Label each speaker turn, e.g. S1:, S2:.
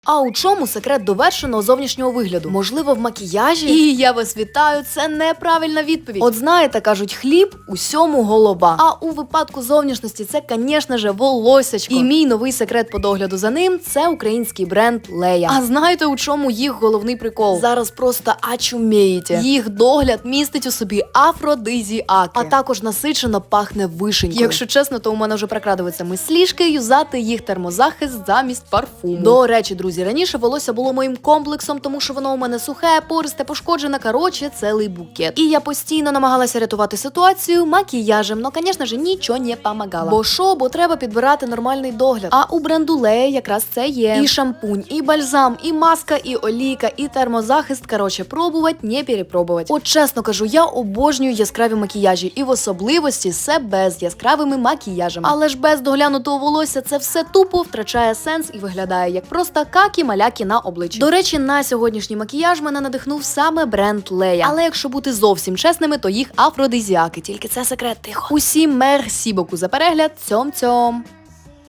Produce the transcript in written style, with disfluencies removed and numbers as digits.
S1: А у чому секрет довершеного зовнішнього вигляду? Можливо, в макіяжі? І я вас вітаю, це неправильна відповідь. От знаєте, кажуть, хліб усьому голова. А у випадку зовнішності це, звісно ж, волосячко. І мій новий секрет по догляду за ним – це український бренд Лея. А знаєте, у чому їх головний прикол? Зараз просто очумієте. Їх догляд містить у собі афродизіаки, а також насичено пахне вишенькою. Якщо чесно, то у мене вже прокрадуються мислішки юзати їх термозахист замість парфуму. До речі, друзі, раніше волосся було моїм комплексом, тому що воно у мене сухе, пористе, пошкоджене, короче, цілий букет. І я постійно намагалася рятувати ситуацію макіяжем, но, звісно ж, нічого не помагало. Бо треба підбирати нормальний догляд. А у бренду Лея якраз це є. І шампунь, і бальзам, і маска, і олійка, і термозахист, короче, пробувати, не перепробувати. От чесно кажу, я обожнюю яскраві макіяжі, і в особливості себе з яскравими макіяжами. Але ж без доглянутого волосся це все тупо втрачає сенс і виглядає як просто какі-маляки на обличчі. До речі, на сьогоднішній макіяж мене надихнув саме бренд Лея. Але якщо бути зовсім чесними, то їх афродизіаки. Тільки це секрет, тихо. Усім мерсі боку за перегляд. Цьом-цьом.